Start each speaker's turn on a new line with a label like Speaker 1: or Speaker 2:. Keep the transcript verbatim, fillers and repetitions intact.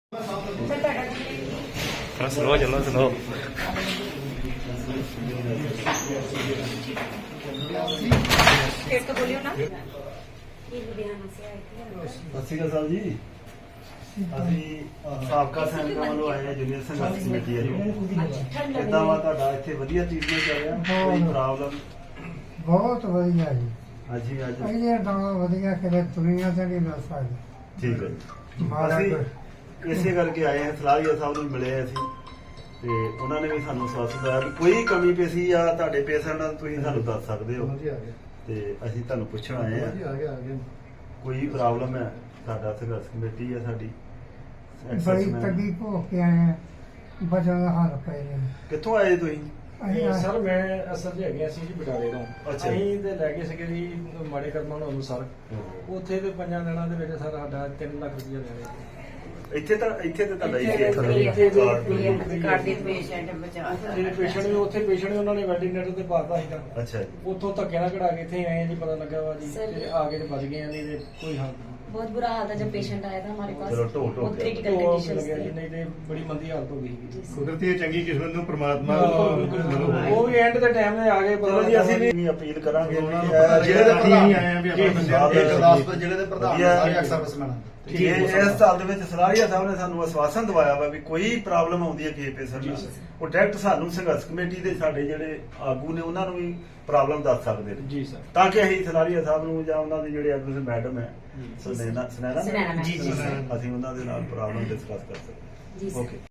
Speaker 1: Slow चलो slow
Speaker 2: ਸਤਿ ਸ਼੍ਰੀ ਅਕਾਲ ਜੀ। ਅਸੀਂ ਸਾਬਕਾ ਸੈਨਿਕਾਂ ਵੱਲੋਂ ਆਏ ਹਾਂ ਜੂਨੀਅਰ ਸੰਘਰਸ਼ ਕਮੇਟੀ ਵੱਲੋਂ। ਕਿੱਦਾਂ ਵਾ ਤੁਹਾਡਾ ਇੱਥੇ ਵਧੀਆ ਟ੍ਰੀਟਮੈਂਟ ਚੱਲ ਰਿਹਾ? ਕੋਈ ਪ੍ਰੋਬਲਮ?
Speaker 3: ਬਹੁਤ ਵਧੀਆ ਜੀ।
Speaker 2: ਹਾਂਜੀ ਅੱਜ
Speaker 3: ਇਹ ਤਾਂ ਵਧੀਆ ਕਿਤੇ ਦੁਨੀਆ ਤੇ ਨਹੀਂ ਮਿਲ ਸਕਦਾ।
Speaker 2: ਠੀਕ ਹੈ ਜੀ।
Speaker 3: ਮਾੜਾ
Speaker 2: ਅਸੀਂ
Speaker 3: ਕੋਈ-
Speaker 2: ਇਸੇ ਕਰਕੇ ਆਏ ਹਾਂ, ਸਲਾਹੀਆ ਸਾਹਿਬ ਨੂੰ ਮਿਲੇ ਹਾਂ ਅਸੀਂ ਤੇ ਉਹਨਾਂ ਨੇ ਵੀ ਸਾਨੂੰ ਸਵਾਸ ਦਿੱਤਾ ਵੀ ਕੋਈ ਕਮੀ ਪੇਸ਼ੀ ਆ ਤੁਹਾਡੇ ਪੇਸ਼ੈਂਟ ਨਾਲ ਤੁਸੀਂ ਸਾਨੂੰ ਦੱਸ ਸਕਦੇ ਹੋ ਤੇ ਅਸੀਂ ਤੁਹਾਨੂੰ ਪੁੱਛਣ ਆਏ ਹਾਂ ਕੋਈ ਪ੍ਰੋਬਲਮ ਹੈ। ਸਾਡਾ ਸੰਘਰਸ਼ ਕਮੇਟੀ ਹੈ ਸਾਡੀ।
Speaker 3: ਬੜੀ ਤੱਗੀ ਭੋਗ ਕੇ ਆਏ ਆ, ਬਚਨ ਦਾ ਹਾਲ ਪਏ ਨੇ।
Speaker 2: ਕਿੱਥੋਂ ਆਏ ਤੁਸੀਂ?
Speaker 3: ਅਸੀਂ ਆ-
Speaker 4: ਸਰ ਮੈਂ ਅਸਲ 'ਚ ਹੈਗੇ ਅਸੀਂ ਜੀ ਬਟਾਲੇ ਤੋਂ।
Speaker 2: ਅੱਛਾ।
Speaker 4: ਅਸੀਂ ਤੇ ਲੈ ਗਏ ਸੀਗੇ ਜੀ ਮਾੜੇ ਕਰਮਾਂ ਨੂੰ ਅਨੁਸਾਰ ਉੱਥੇ ਤੇ ਪੰਜਾਂ ਦਿਨਾਂ ਦੇ ਵਿੱਚ ਸਰ ਸਾਡਾ ਤਿੰਨ ਲੱਖ ਰੁਪਇਆ ਲੈ ਗਏ।
Speaker 2: ਇੱਥੇ ਤਾਂ ਇੱਥੇ ਤੇ ਤੁਹਾਡਾ
Speaker 4: ਇੱਥੇ-
Speaker 2: ਇੱਥੇ
Speaker 4: ਇੱਥੇ
Speaker 5: ਪੇਸ਼ੈਂਟ ਬਚਾ
Speaker 4: ਜਿਹੜੇ ਪੇਸ਼ੈਂਟ ਵੀ ਉੱਥੇ ਪੇਸ਼ੈਂਟ ਵੀ ਉਹਨਾਂ ਨੇ ਵੈਂਟੀਲੇਟਰ ਤੇ ਪਾਤਾ ਸੀਗਾ।
Speaker 2: ਅੱਛਾ ਜੀ।
Speaker 4: ਉੱਥੋਂ ਧੱਕੇ ਨਾਲ ਕਢਾ ਕੇ ਇੱਥੇ ਆਏ ਜੀ, ਪਤਾ ਲੱਗਾ ਵਾ ਜੀ
Speaker 5: Sir,
Speaker 4: ਤੇ ਆ ਕੇ ਤੇ ਬਚ ਗਏ ਆ, ਨਹੀਂ ਤੇ ਕੋਈ ਹਾਲ ਨਹੀਂ।
Speaker 5: बहुत बुरा हाल था जब पेशेंट आया था हमारे पास।
Speaker 2: चलो, टो- टो
Speaker 5: बहुत
Speaker 2: गया।
Speaker 5: क्रिटिकल
Speaker 4: तो
Speaker 5: कंडीशन
Speaker 4: लगਿਆ ਜੀ,
Speaker 5: थी।
Speaker 4: ਨਹੀਂ ਤੇ ਬੜੀ ਮੰਦੀ ਹਾਲਤ ਹੋ ਗਈ ਸੀ।
Speaker 6: ਕੁਦਰਤੀ ਚੰਗੀ ਕਿਸਮਤ ਨੂੰ ਪ੍ਰਮਾਤਮਾ
Speaker 4: ਉਹ ਵੀ ਐਂਡ ਦੇ ਟਾਈਮ ਤੇ ਆ ਗਏ, ਪਤਾ
Speaker 2: ਚਲੋ ਜੀ
Speaker 4: ਲੱਗਾ
Speaker 2: ਅਸੀਂ
Speaker 4: ਵਾ
Speaker 2: ਵੀ ਅਪੀਲ ਕਰਾਂਗੇ ਵੀ
Speaker 6: ਉਹਨਾਂ ਨੂੰ
Speaker 2: ਇਹ
Speaker 6: ਪਤਾ
Speaker 2: ਜਿਹੜੇ
Speaker 6: ਜਿਹੜੇ
Speaker 2: ਪ੍ਰਧਾਨ
Speaker 6: ਅਸੀਂ ਆਏ ਆ ਵੀ ਆਪਣੇ ਬੰਦੇ
Speaker 2: ਸਾਹਿਬ
Speaker 6: ਦੇ
Speaker 2: ਦੇ
Speaker 6: ਗੁਰਦਾਸਪੁਰ ਜ਼ਿਲ੍ਹੇ ਦੇ ਪ੍ਰਧਾਨ
Speaker 2: ਵਧੀਆ
Speaker 6: ਸਾਰੇ ਐਕਸ ਸਰਵਿਸਮੈਨ
Speaker 2: ਜੀ ਇਸ ਸਾਲ ਦੇ ਵਿੱਚ ਸਲਾਹੀਆ ਸਾਹਿਬ ਨੇ ਸਾਨੂੰ ਆਸ਼ਵਾਸਨ ਦਵਾਇਆ ਵਾ ਵੀ ਕੋਈ ਪ੍ਰੋਬਲਮ ਆਉਂਦੀ ਹੈ ਕਿਸੇ ਪੇਸ਼ੈਂਟ ਨੂੰ ਉਹ ਡਾਇਰੈਕਟ ਸਾਨੂੰ ਸੰਘਰਸ਼ ਕਮੇਟੀ ਦੇ ਸਾਡੇ ਜਿਹੜੇ ਆਗੂ ਨੇ ਉਹਨਾਂ ਨੂੰ ਵੀ ਪ੍ਰੋਬਲਮ ਦੱਸ ਸਕਦੇ ਨੇ
Speaker 4: ਜੀ ਸਰ।
Speaker 2: ਤਾਂ ਕਿ ਅਸੀਂ ਸਲਾਹੀਆ ਸਾਹਿਬ ਨੂੰ ਜਾਂ ਉਹਨਾਂ ਦੇ ਜਿਹੜੇ ਐਡਮਿਸ਼ਨ ਮੈਡਮ ਹੈ ਸੁਨੈਨਾ ਸੁਨੈਨਾ
Speaker 5: ਸੁਨੈਨਾ ਮੈਮ।
Speaker 2: ਜੀ ਜੀ ਅਸੀਂ ਉਹਨਾਂ ਦੇ ਨਾਲ ਪ੍ਰੋਬਲਮ ਡਿਸਕਸ ਕਰ ਸਕਦੇ
Speaker 5: जी सर।
Speaker 2: ਓਕੇ।